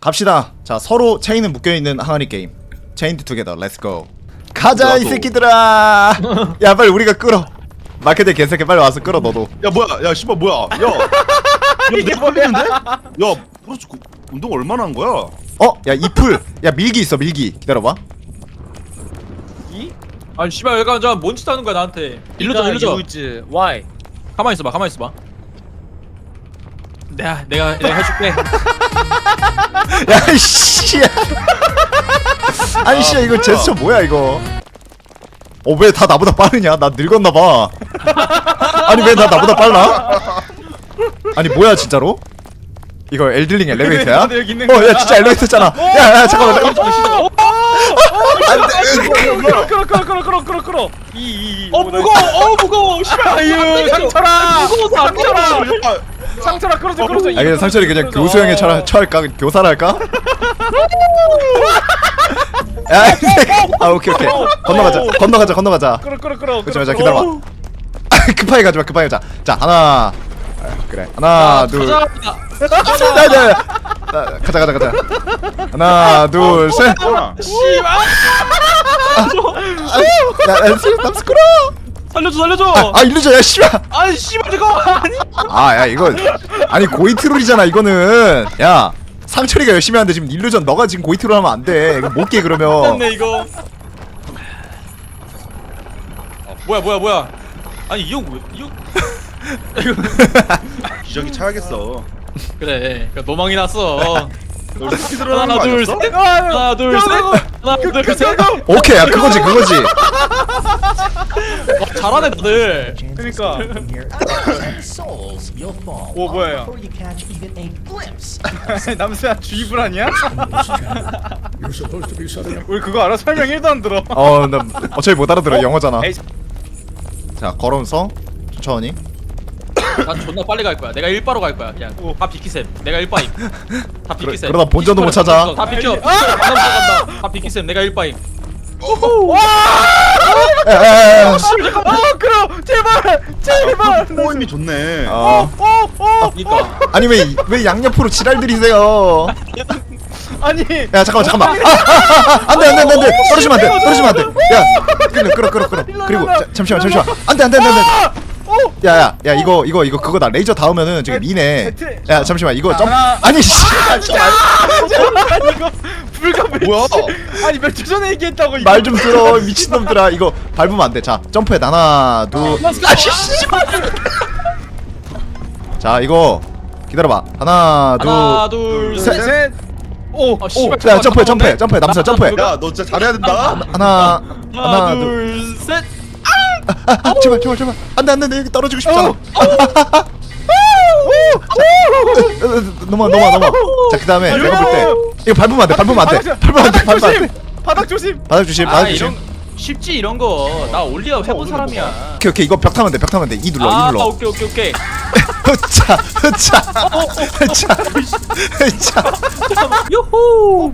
갑시다. 자, 서로 체인은 묶여있는 항아리 게임. 체인드 투게더 렛츠고. 가자 이 새끼들아. 야 빨리 우리가 끌어. 마케팅 개새끼 빨리 와서 끌어 너도. 야 뭐야 야 씨발 뭐야 야 이게 뭐야? 야 프로스 운동 얼마나 한 거야? 어? 야 이풀. 야 밀기 있어 밀기. 기다려봐. 이? 아니 씨발 약간 저 뭔 짓 하는 거야 나한테. 일루전 일루전. 유즈 why? 가만히 있어봐 가만히 있어봐. 내가 해줄게. 야 씨. 아니 씨 이거 뭐야? 제스처 뭐야 이거? 왜 다 나보다 빠르냐? 나 늙었나봐. 아니 왜 나보다 빨라? 아니 뭐야 진짜로? 이거 엘들링 엘리베이터야? 나도 여기 있는 야 진짜 엘리베이터잖아. 야 잠깐만. 끌어. 무거워. 씨발. 아유 상철아. 무거워서 상철아 끌어줘. 아 그냥 상철이 그냥 교수형에 처할까? 교사를 할까? 야, 이 새끼. 아 오케이. 건너가자. 끌어. 그렇지 기다려봐. 급하게 가자. 자 하나. 그래 하나 둘. 가자. 하나 둘 셋. 씨발. 야 남스크로. 살려줘. 아 일루전 야 씨발. 아니 씨발 이거 아니. 야 이거 아니 고이트롤이잖아 이거는. 야 상철이가 열심히 하는데 지금 일루전 너가 지금 고이트롤 하면 안 돼. 이거 못 깨 그러면. 됐네 이거. 뭐야? 아니 이 형 왜? 이 형. 기저귀 차야겠어. 그래. 그러니까 노망이 났어. 너 스피드런 하는 하나 거 둘 아니었어? 셋. 하나 둘 셋. 오케이 야 그거지. 잘하네 다들. 그러니까. 오 뭐야? 남수야 주의불 아니야? 우리 그거 알아? 설명 1도 안 들어. 나 어차피 못 알아들어 영어잖아. 에이, 자 걸으면서 천천히. 난 존나 빨리 갈 거야. 내가 1바로 갈 거야. 그냥 다 비키셈. 내가 1바임. 다 비키셈. 그러다 본전도 못 찾아. 다 비켜. 간다. 다 비키셈. 내가 1바임. 끌어 제발. 호임이 좋네. 그러니까. 아니 왜 양옆으로 지랄 들이세요? 아니. 야 잠깐만. 안돼. 떨어지면 안돼. 야 끌어. 그리고 잠시만. 안돼. 야 이거 그거다. 레이저 닿으면은 저기 미네. 야 잠시만 이거 점. 아니 씨. 이거 불가 몇 뭐야? 아니 몇 초 전에 얘기했다고 이거. 말 좀 들어 미친놈들아. 이거 밟으면 안돼. 자 점프해. 하나 둘. 자 이거 기다려봐. 하나 둘. 셋. 오. 씨발. 자 점프해. 남자 점프해. 야 너 진짜 잘해야 된다. 하나 둘. 셋. 제발. 안돼 여기 떨어지고 싶잖아. 넘어. 자 그다음에 내가 볼 때 이거 밟으면 안돼. 바닥 조심. 바닥 조심. 이런 쉽지 이런 거. 나 올리어 해본 사람이야. 오케이 이거 벽 타면 돼. 이 눌러. 오케이. 흐차. 요호.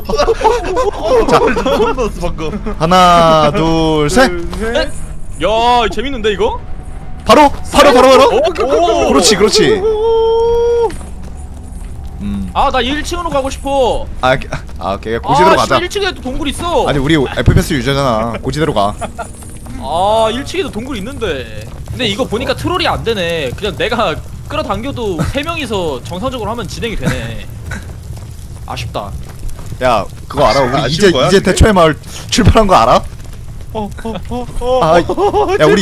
자 소름 돋았어 방금. 하나 둘 셋. 야 재밌는데 이거? 바로. 오. 그렇지. 아나 1층으로 가고 싶어. 오케이 고지대로 가자. 1층에도 동굴 있어. 아니 우리 FPS 유저잖아. 고지대로 가. 1층에도 동굴 있는데. 근데 이거 보니까 트롤이 안 되네. 그냥 내가 끌어당겨도 3명이서 정상적으로 하면 진행이 되네. 아쉽다. 야 그거 알아? 우리 아쉬운 거야, 이제 그게? 대초의 마을 출발한 거 알아? 야 우리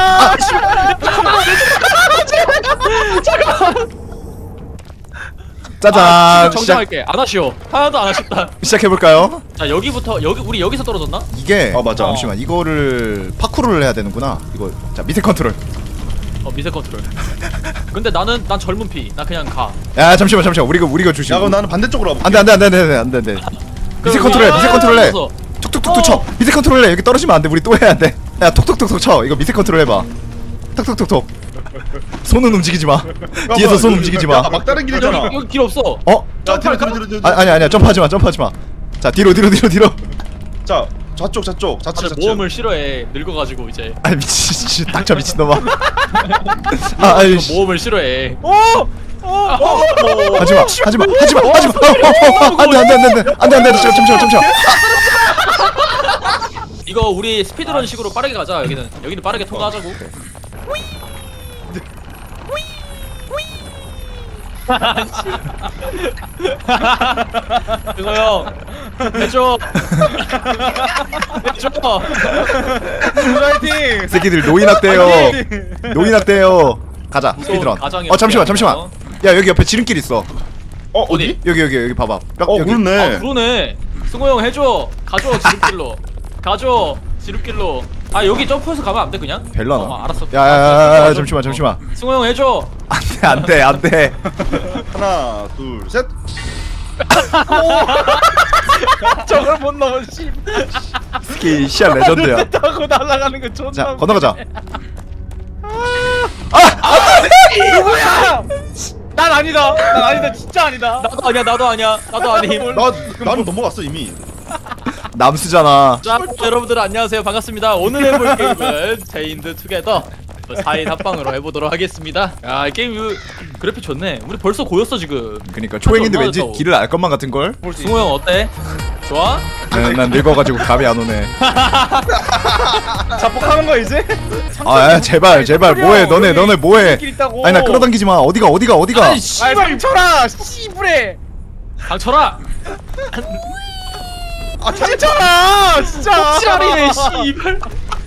짜잔. 정정할게. 안 아쉬워. 하나도 안 아쉽다. 시작해볼까요? 자 여기부터 우리 여기서 떨어졌나? 이게 맞아. 잠시만 이거를 파쿠르를 해야 되는구나. 이거 자 밑에 컨트롤. 미세 컨트롤. 근데 난 젊은 피. 나 그냥 가. 야 잠시만 우리가 주시. 야 그럼 나는 반대쪽으로 와볼게. 안돼. 밑에 컨트롤해. 툭툭툭 쳐. 밑에 컨트롤해. 여기 떨어지면 안돼. 우리 또 해야 돼. 야 톡톡톡톡 쳐. 이거 밑에 컨트롤 해봐. 톡톡톡톡. 손은 움직이지 마. 뒤에서 손 움직이지 마. 막다른 길이잖아. 여기 길 없어. 자 뒤로. 아니야 점프하지 마. 자 뒤로. 자 좌쪽. 다들 모험을 싫어해. 늙어가지고 이제. 미친 닥쳐 미친놈아. 모험을 싫어해. 하지마 하지마 하지마 하지마 안돼 잠시만 이거 우리 스피드런 식으로 빠르게 가자. 여기는 빠르게 통과하자고. 그거 형 해줘. 해줘. 파이팅. 새끼들 노인학대요 노인학대요 가자 스피드런 가정이었어요. 잠시만 야 여기 옆에 지름길 있어 어디? 여기 봐봐 여기 그렇네. 그러네. 승호 형 해줘. 가줘 지름길로. 가줘 지름길로. 아 여기 점프해서 가면 안 돼 그냥? 벨라나 알았어. 야야야야 잠시만 승호 형 해줘. 안돼 하나, 둘, 셋. 저걸 못 넘어. 씨. 스키 시야 레전드야 타고 날아가는 거 존나. 자 건너가자 누구야? 난 아니다. 난 아니다. 진짜 아니다. 나도 아니야. 나도 아님. 나는 넘어갔어 이미. 남수잖아 자, 여러분들 안녕하세요. 반갑습니다. 오늘 해볼 게임은 체인드 투게더 4인 합방으로 해보도록 하겠습니다. 야, 이 게임 이거 그래픽 좋네. 우리 벌써 고였어 지금. 그니까 초행인데 왠지 얼마나 길을 알 것만 같은걸? 승호 형 어때? 좋아? 난 늙어가지고 감이 안 오네 자폭하는 거 이제? 아 제발 뭐해 너네 뭐해 길 있다고. 아니 나 끌어당기지마 어디가 아이 아이 씨발 상처라. 씨부레. 강철아. 아 상처라. 진짜. 찌라리네 씨발.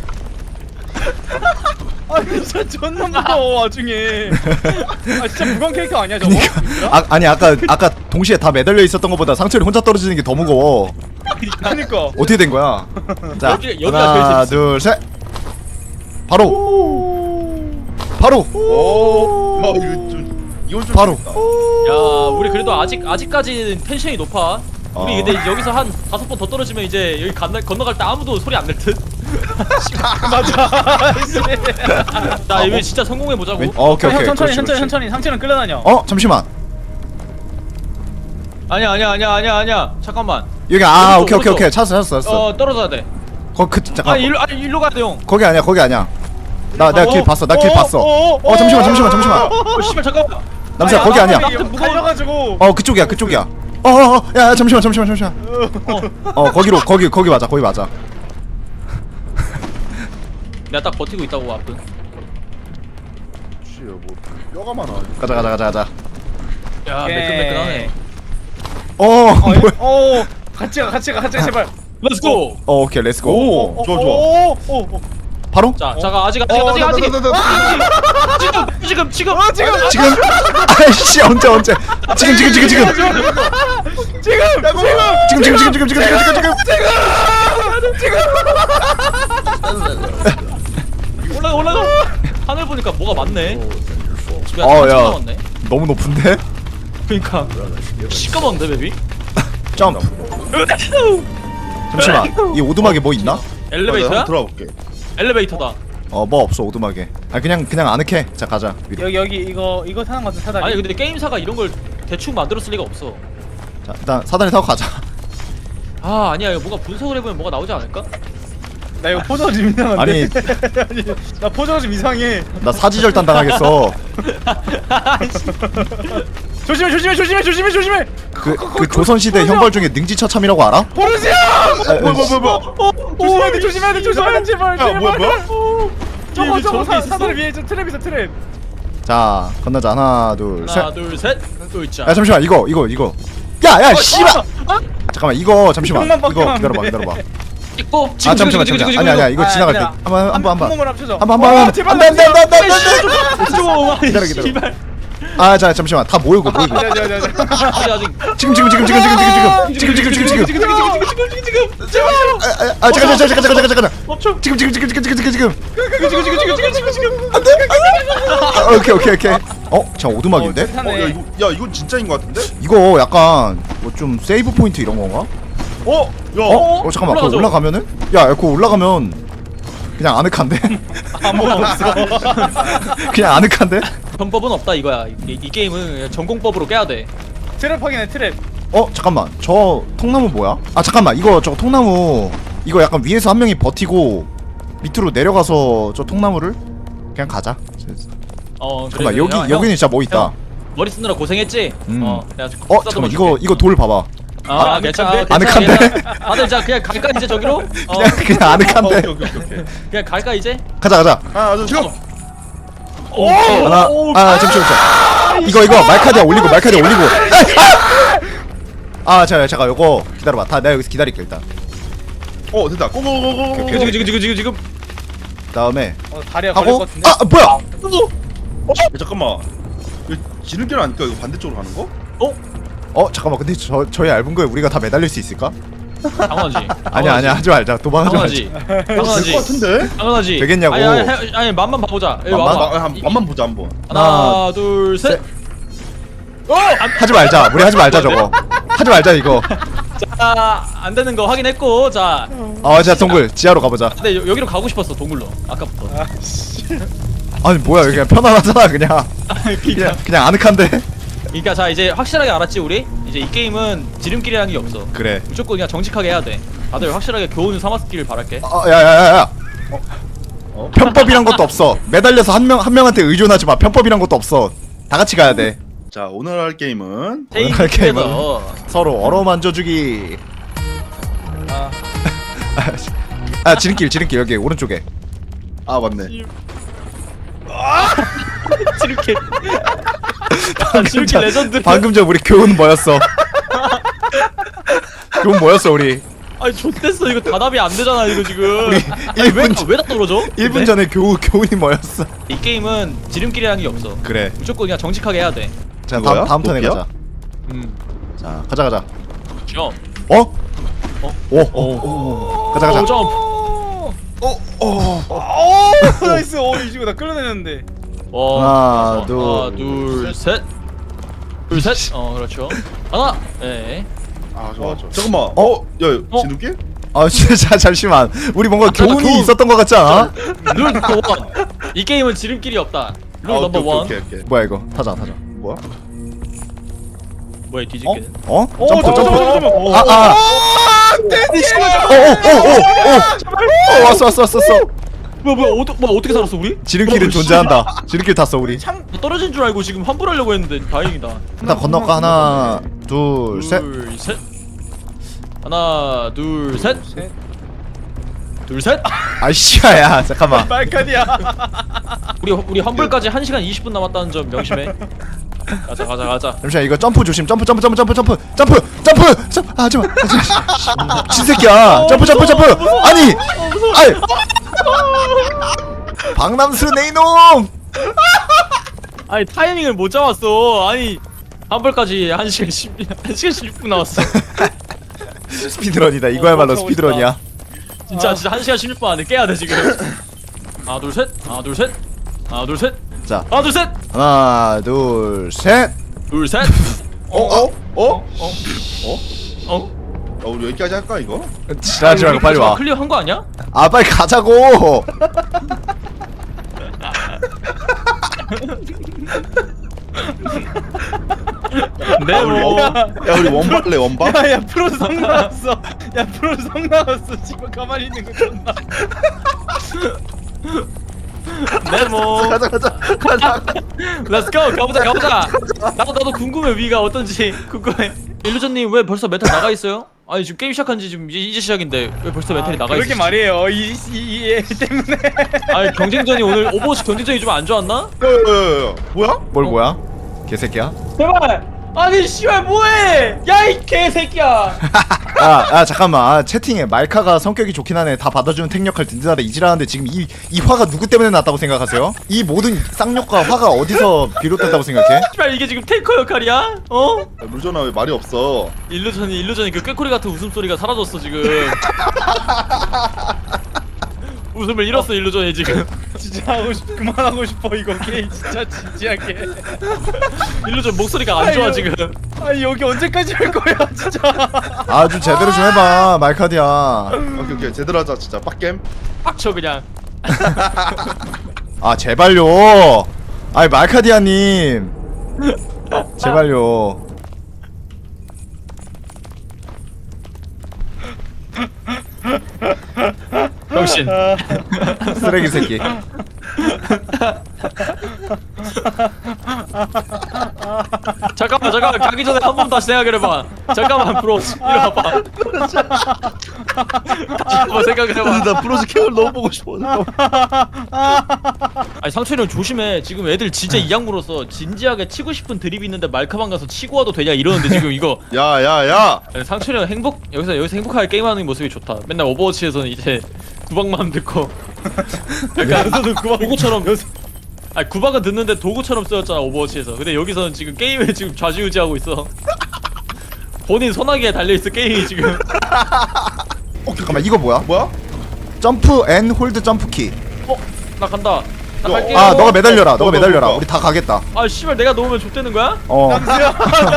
아 진짜 존나 무거워 와중에. 아 진짜 무거운 캐릭터 아니야 저거? 아니 아까 동시에 다 매달려 있었던 것보다 상철이 혼자 떨어지는 게 더 무거워 그니까. 어떻게 된 거야? 자 여기가 하나 제일 둘셋 바로 오. 이건 좀 바로. 재밌다. 야, 우리 그래도 아직까지는 텐션이 높아. 우리 근데 여기서 한 5번 더 떨어지면 이제 여기 건너갈 때 아무도 소리 안 낼 듯. 맞아. 자, 이거 진짜 성공해 보자고. 오케이 형 천천히 그렇지. 상체는 끌려다녀. 잠시만 아니야. 잠깐만. 여기 오른쪽, 오케이 찾았어 떨어져야 돼. 잠깐 일로 가야 돼, 형. 거기 아니야 내가 길 봤어 잠시만 씨발 잠깐만. 남수야 거기 아니야 갈려가지고. 그쪽이야 야 잠시만 거기 맞아 내가 딱 버티고 있다고 앞은. 씨, 뭐 뼈가 많아. 가자 야, 오케이. 매끈매끈하네. 뭐야 같이 가 제발. 렛츠 고. 오케이 렛츠고 좋아. 오. 바로? 자, 아직. 지금. 아이씨 언제 지금 올라가. 하늘 보니까 뭐가 많네. 집에 야. 남았네. 너무 높은데? 그러니까 시꺼먼데 베비. 점프 잠시만 이 오두막에 뭐 있나? 엘리베이터야? 들어볼게. 엘리베이터다. 뭐 없어 오두막에 그냥 아늑해 자 가자 위로 여기 이거 타는 거 같은 사다리. 아니 근데 게임사가 이런 걸 대충 만들었을 리가 없어. 자 일단 사다리 타고 가자 아 아니야 이거 뭔가 분석을 해보면 뭐가 나오지 않을까? 나 이거 포즈가 좀 이상한데. 아니 아니, 나 포즈가 좀 이상해. 나 사지절단 당하겠어 조심해. 그 조선시대 형벌 중에 능지처참이라고 알아? 보르시아. 뭐야. 조심해야 돼 제발. 야, 뭐야? 저거 사다리 위에 저 트랩 있어 트랩. 자 건너자 하나 둘셋 하나 둘셋 으이짜. 야 잠시만 이거 야야 씨발 잠깐만 이거 잠시만 형만 이거 바뀌면 안 기다려봐 찍고 잠시만 아니야 이거 지나갈 때 한번 몸을 합쳐줘. 한번 제발. 안돼 기다려. 기다려 자 잠시만 다 모이고 아직 지금 제발. 잠깐 멈춰. 지금 안돼 오케이 자 오두막인데 야, 이건 진짜인 것 같은데? 이거 약간 뭐 좀 세이브 포인트 이런 건가? 야. 잠깐만 그거 올라가죠. 올라가면은 야 그거 올라가면 그냥 아늑한데 아무것도 없어. 그냥 아늑한데 전법은 없다 이거야. 이 게임은 전공법으로 깨야 돼. 트랩 확인해 트랩. 잠깐만 저 통나무 뭐야? 잠깐만 이거 저 통나무 이거 약간 위에서 한 명이 버티고 밑으로 내려가서 저 통나무를 그냥 가자. 잠깐만 그래, 여기는 진짜 뭐 있다. 머리 쓰느라 고생했지? 내가 잠깐만 이거 돌 봐봐. 괜찮아. 아늑한데? 다들 자 그냥 갈까 이제 저기로? 그냥 아늑한데. 오케이. 그냥 갈까 이제? 가자. 하나, 둘, 셋. 하나 잠시만. 이거 말카디아 올리고 잠깐 요거 기다려봐. 다 내가 여기서 기다릴게 일단. 됐다. 고고고고. 지금. 다음에 다리가 걸릴 하고 것 같은데. 뭐야? 잠깐만. 이거 지름길 아닐까? 이거 반대쪽으로 가는 거? 잠깐만 근데 저희 얇은 거에 우리가 다 매달릴 수 있을까? 당연하지. 아니야 하지 말자. 도망하지 말자. 당연하지. 될것 같은데? 당연하지. 되겠냐고. 아니 맛만 봐보자. 여기 맛만? 와봐. 맛만 보자 한번. 하나 둘 셋. 하지 말자. 우리 하지 말자 저거. 하지 말자 이거. 안 되는 거 확인했고 자. 자 동굴 지하로 가보자. 근데 여기로 가고 싶었어 동굴로 아까부터. 아니 뭐야 여기 그냥 편안하잖아 그냥. 그냥 아늑한데. 그러니까 자 이제 확실하게 알았지 우리? 이제 이 게임은 지름길이라는 게 없어. 그래. 무조건 그냥 정직하게 해야 돼. 다들 확실하게 교훈을 삼았기를 바랄게. 야야야야. 편법이란 것도 없어. 매달려서 한 명한테 의존하지 마. 편법이란 것도 없어. 다 같이 가야 돼. 자, 오늘 할 게임은 테이크 오늘 게임은 투게더. 서로 어루만져주기. 지름길 여기 오른쪽에. 맞네. 지름길. 지름길 레전드. 방금 전 우리 교훈 뭐였어? 교훈 뭐였어 우리? 아니 좆됐어 이거 답이 안 되잖아 이거 지금. 우리 1분 왜다 떨어져? 1분 전에 교훈이 뭐였어? 이 게임은 지름길이라는 게 없어. 그래. 무조건 그냥 정직하게 해야 돼. 자 뭐야? 다음 턴에 높이야? 가자. 자 가자. 점. 가자. 점. 나이스. 이 친구 나 끌어내는데. 하나, 둘, 셋. 그렇죠. 하나. 네. 좋아. 잠깐만. 야, 지름길? 진짜 잠시만. 우리 뭔가 교훈이 교훈. 있었던 것 같지 않아? 룰 넘버 원. 이 게임은 지름길이 없다. 룰 넘버 원. 오케이. 뭐야 이거? 타자. 뭐야? 뭐야 뒤집기는? 점프. 잠깐만. 왔어. 뭐야 어떻게 살았어 우리? 지름길은 존재한다. 지름길 탔어 우리. 나 떨어진 줄 알고 지금 환불하려고 했는데 다행이다. 일단 건너가. 하나, 둘, 셋. 하나, 둘, 셋. 아이씨야 잠깐만. 말카디야. 우리 환불까지 1시간 20분 남았다는 점 명심해. 가자. 잠시만 이거 점프 조심. 점프. 하지마. 신새끼야. 점프. 아니. 박남수 내 이놈. 아니 타이밍을 못 잡았어. 아니 환불까지 1시간 16분 남았어. 스피드런이다. 이거야말로 스피드런이야. 진짜 1시간 16분 안에 깨야 돼 지금. 하나 둘 셋. 자 하나 둘 셋. 하나, 둘, 셋. 우리 여기까지 할까 이거? 지랄하지 말고 빨리 와. 클리어 한 거 아니야? 빨리 가자고. 네 뭐. 야, 우리 원바 할래 원바? 야 프로 성 나왔어. 지금 가만히 있는 거 존나. 네 뭐. 가자. Let's go. 가보자. 나도 궁금해 위가 어떤지 궁금해. 일루전님 왜 벌써 메탈 나가 있어요? 아니 지금 게임 시작한지 지금 이제 시작인데 왜 벌써 메탈이 나가 있어? 그렇게 말이에요. 이애 때문에. 아니 경쟁전이 오늘 오버워치 경쟁전이 좀 안 좋았나? 야. 뭐야? 개새끼야. 제발. 아니 씨발 뭐해? 야 이 개새끼야. 잠깐만. 채팅에 말카가 성격이 좋긴 하네. 다 받아주는 탱 역할 든든하다 이지라는데 지금 이 화가 누구 때문에 났다고 생각하세요? 이 모든 쌍욕과 화가 어디서 비롯됐다고 생각해? 씨발 이게 지금 탱커 역할이야? 물전아 왜 말이 없어? 일루전이 그 꾀꼬리 같은 웃음소리가 사라졌어 지금. 웃음을 잃었어 일루전이 지금. 진짜 그만하고 싶어 이거 게임 진짜 진지하게. 일루전 목소리가 안 좋아 아유. 지금. 아니 여기 언제까지 할 거야 진짜. 좀 제대로 좀 해봐 말카디야. 오케이 제대로 하자 진짜 빡겜. 빡쳐 그냥. 제발요. 말카디아님. 제발요. 병신. 쓰레기 새끼. 잠깐만 가기 전에 한 번 다시 생각해봐. 잠깐만 브로스 이리 와봐. 다시 한번 생각해봐. 나 브로즈 캠을 너무 보고 싶어. 아니 상철이 형 조심해. 지금 애들 진짜 이악물어서 진지하게 치고 싶은 드립이 있는데 말카방 가서 치고 와도 되냐 이러는데 지금 이거 야야야. 아니, 상철이 형 여기서 행복하게 게임하는 모습이 좋다. 맨날 오버워치에서는 이제 구박만 듣고 약간 도구처럼 아니 구박은 듣는데 도구처럼 쓰였잖아 오버워치에서. 근데 여기서는 지금 게임에 지금 좌지우지하고 있어. 본인 소나기에 달려있어 게임이 지금. 잠깐만 이거 뭐야? 뭐야? 점프 앤 홀드 점프 키. 나 간다. 나 어. 갈게. 아 너가 매달려라. 너가 너, 매달려라. 너. 우리 다 가겠다. 아 씨발 내가 놓으면 좆되는 거야? 어. 남수야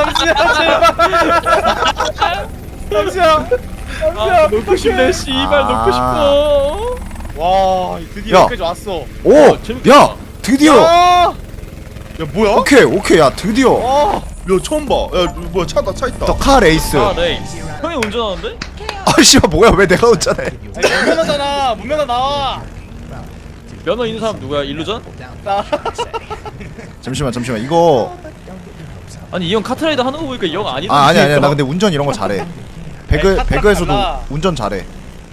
남수야 아 놓고 싶네 씨발 아. 놓고 싶어. 와 드디어 야. 여기까지 왔어. 오. 재밌겠다. 야 드디어. 야 야 뭐야? 오케이 야 드디어. 와 야 처음 봐. 야 뭐야 차 있다. 더 카 레이스. 아 네. 형이 운전하는데? 아 씨발 뭐야 왜 내가 운전해? 아니 문면허잖아 문면허 나와. 면허 있는 사람 누구야? 일루전? 나 잠시만 이거. 아니 이 형 카트라이더 하는 거 보니까 이 형 아니던데. 아 아니야 나 근데 운전 이런 거 잘해. 배그에서도 달라. 운전 잘해.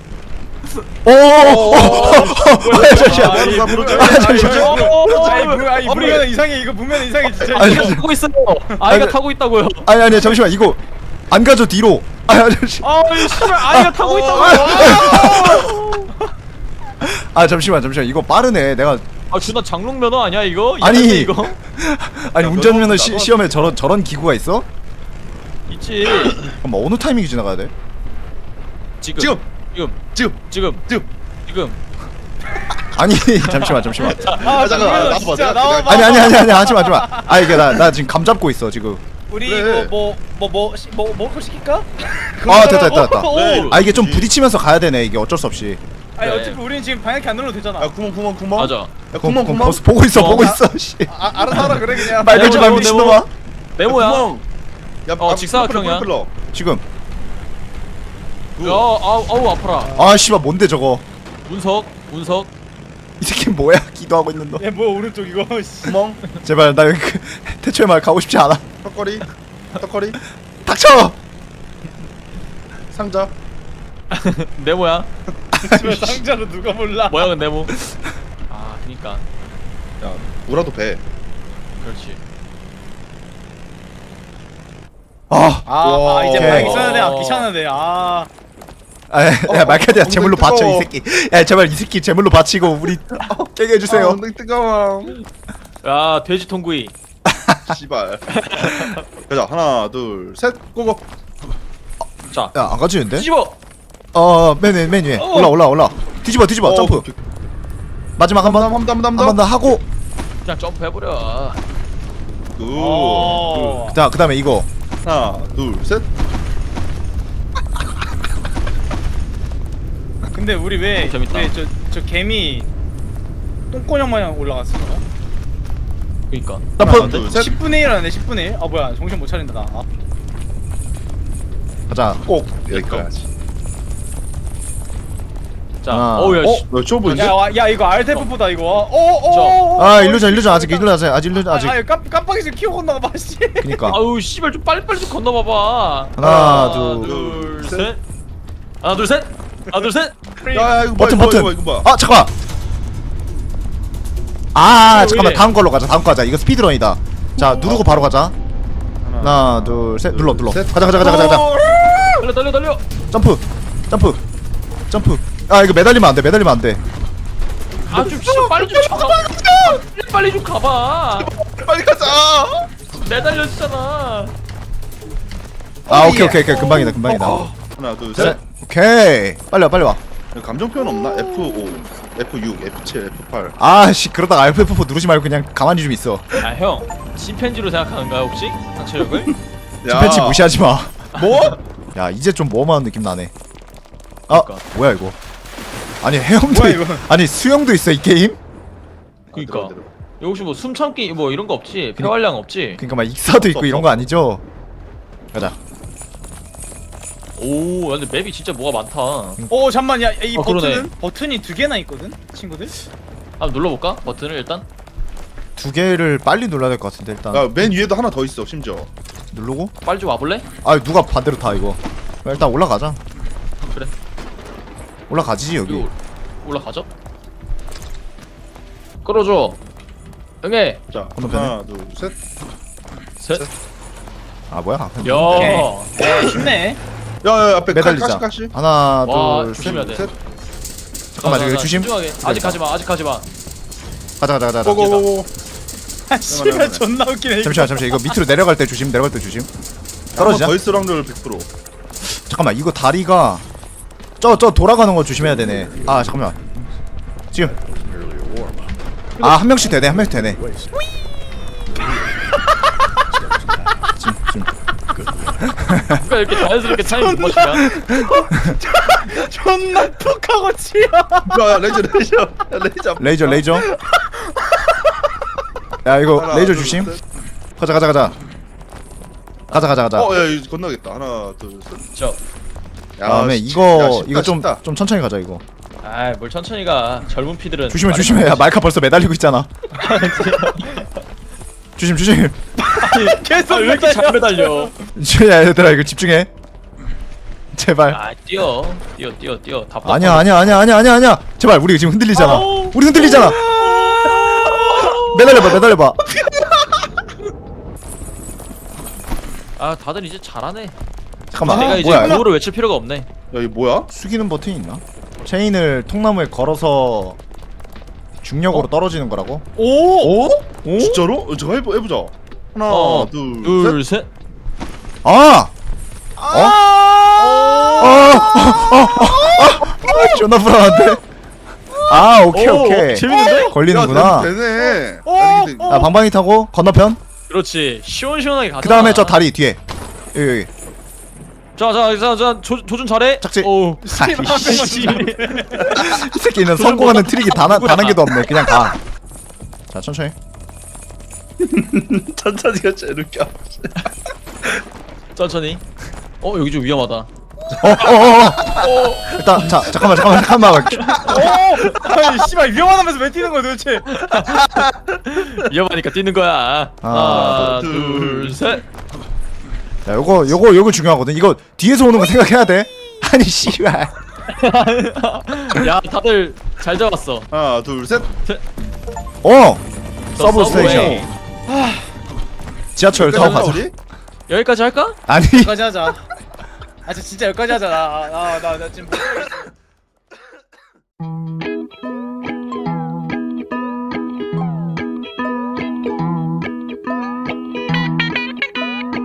오. 잠시만. 나 브로즈. 아니 문면허 이상해 이거 문면허 이상해 진짜. 아니, 아이가 타고 있어요. 아이가 타고 있다고요. 아니 잠시만 이거 안 가져 뒤로. 아니 잠시. 아이 씨발 아이가 타고 있다고요. 아 잠시만 이거 빠르네. 내가 아 준아 장롱 면허 아니야 이거? 아니. 이상해, 이거 아니 운전면허 나도 시험에 저런 기구가 있어? 있지. 그럼 어느 타이밍이 지나가야 돼? 지금. 아니 잠시만 아 잠깐만, 잠깐만 진짜 나와봐, 나와봐. 아니 하지마 아 이게 나 지금 감 잡고 있어 지금. 우리 그래. 이거 뭐 먹을 거 시킬까? 아 됐다 네. 아 이게 좀 부딪히면서 가야 되네 이게 어쩔 수 없이. 아니 그래. 어차피 우리는 지금 방향키 안 눌러도 되잖아. 야 구멍. 맞아. 야 구멍. 벌써 보고 있어 씨. 알아서 하라 그래 그냥. 말 걸지 말고 네모, 미친놈아. 네모야. 야 직사각형이야. 지금 아우 아파라. 아 씨발 뭔데 저거. 운석. 이 새끼 뭐야 기도하고 있는 너. 얘 뭐야 오른쪽 이거. 씨. 구멍. 제발 나 여기 태초의 말 가고 싶지 않아. 턱걸이. 닥쳐. 상자. 네모야. 집에 상자로 누가 몰라. 뭐야 그 네모. 아 그니까. 야 우라도 배. 그렇지. 와. 이제 오케이. 방향키 써야돼. 귀찮은데. 야 말카디야 엉덩이 제물로 바쳐 이 뜨거워. 새끼. 야 제발 이 새끼 제물로 바치고 우리 깨게 해주세요. 엉덩이 뜨거워. 야 돼지 통구이. 씨발. 가자 하나 둘 셋 고고. 자. 야 안 가지는데? 뒤집어. 맨 위에 올라. 뒤집어 점프. 오케이. 마지막 한 번 한 한번 번 더 하고. 그냥 점프해버려. 굿. 자 그다음에 이거. 하나 둘 셋. 근데 우리 왜 재밌다. 저 개미 똥꼬냥 마냥 올라갔어? 그니까. 점프. 하나, 둘, 셋. 10분의 1 하네 10분의 1? 아 뭐야 정신 못 차린다 나. 가자. 꼭 여기까지. 자. 하나. 어우야. 씨. 너 좁아 보이지? 야 이거 알테프보다 이거. 아 일루전 아직 아직. 깜빡이 키워 건너가 봐 씨. 그니까. 아우 씨발 좀 빨리 좀 건너봐봐. 하나, 둘, 셋. 하나 둘 셋. 야 이거 버튼 뭐야, 이거 뭐야? 아 잠깐. 아 왜 잠깐만 이래? 다음 걸로 가자. 이거 스피드런이다. 자 누르고 바로 가자. 하나 둘 셋 눌러. 셋. 가자. 달려. 점프. 아 이거 매달리면 안 돼. 아좀 빨리 좀 가봐. 빨리 좀 가봐. 빨리 가자. 매달렸잖아. 아 오케이 금방이다. 하나 둘 셋. 셋. 오케이 빨리 와. 감정 표현 없나? F5, F6, F7, F8. 아씨 그러다가 F4 누르지 말고 그냥 가만히 좀 있어. 아 형, 침팬지로 생각하는가요 혹시? 상체력을? 침팬지 무시하지 마. 뭐? 야 이제 좀 모험하는 느낌 나네. 아 그러니까. 뭐야 이거? 아니 해영도 뭐야, 이거? 아니 수영도 있어 이 게임? 그니까. 여기 혹시 뭐 숨참기 뭐 이런 거 없지? 폐활량 없지? 그러니까 막 익사도 있고 이런 거 아니죠? 가자. 오, 근데 맵이 진짜 뭐가 많다. 잠만 이 그러네. 버튼이 두 개나 있거든 친구들. 한번 눌러볼까? 버튼을 일단. 두 개를 빨리 눌러야 될 것 같은데 일단 야맨 위에도 하나 더 있어 심지어. 누르고. 빨리 좀 와볼래? 아 누가 반대로 타 이거. 일단 올라가자. 그래. 올라가지지 여기. 이거 올라가죠? 끌어줘. 응애. 자 건너편에? 하나 둘 셋. 셋. 아 뭐야? 야. 네 쉽네. 야야 앞에 매달리자. 가시. 하나 와, 둘 조심해야 돼. 셋. 잠깐만 여기 조심. 집중하게. 아직 가지 마. 아직 가지 마. 가자. 고고고고. 아 씨발 존나 웃기네. 이거. 잠시만 이거 밑으로 내려갈 때 조심. 내려갈 때 조심. 떨어지자. 더 있을 확률 100%. 잠깐만 이거 다리가 저 돌아가는 거 조심해야 되네. 아 잠깐만. 지금. 아 한 명씩 되네. 한 명씩 되네. 지금. 누가 이렇게 자연스럽게 타이밍 못 맞추냐? 존나 푹하고 치여. 야 레이저. 레이저. 야 이거 하나, 레이저 둘, 조심. 셋. 가자. 어야 이거 건너겠다. 하나 둘 셋. 저. 야, 다음에 씨, 이거 야, 쉽다, 이거 좀 쉽다. 천천히 가자 이거. 아이 뭘 천천히 가. 젊은 피들은. 조심해. 야 말카 벌써 매달리고 있잖아. 조심. 계속 왜 이렇게 잘 매달려? 야 얘들아 이거 집중해. 제발. 아 뛰어. 답답. 아니야. 제발 우리 지금 흔들리잖아. 아우. 우리 흔들리잖아. 매달려봐. 아 다들 이제 잘하네. 잠깐만. 내가 이제 뭐야? 이거? 구호를 외칠 필요가 없네. 야 이거 뭐야? 숙이는 버튼이 있나? 체인을 통나무에 걸어서 중력으로 떨어지는 거라고? 오. 오? 진짜로? 저거 해보자. 하나 둘 둘, 셋. 아! 존나 불안한데? 아 오케이. 재밌는데? 걸리는구나. 야, 되네. 아 방방이 타고 건너편. 그렇지. 시원시원하게 가자. 그 다음에 저 다리 뒤에. 여기. 자, 조준 잘해. 짝지. 오. 아이씨. 이 새끼는 성공하는 트릭이 단 한 개도 없네. 그냥 가. 자 천천히. 천천히가 제일 웃겨. 천천히. 여기 좀 위험하다. 일단 자 잠깐만. 아니 씨발 위험하다면서 왜 뛰는 거야 도대체? 위험하니까 뛰는 거야. 하나, 둘, 셋. 자 요거 중요하거든. 이거 뒤에서 오는 거 생각해야 돼. 아니 씨발. 야, 다들 잘 잡았어. 하나 둘 셋. 서브 스테이션. 지하철 타고 가자. 우리? 여기까지 할까? 아니 여기까지 하자. 아 진짜 여기까지 하자. 나 지금.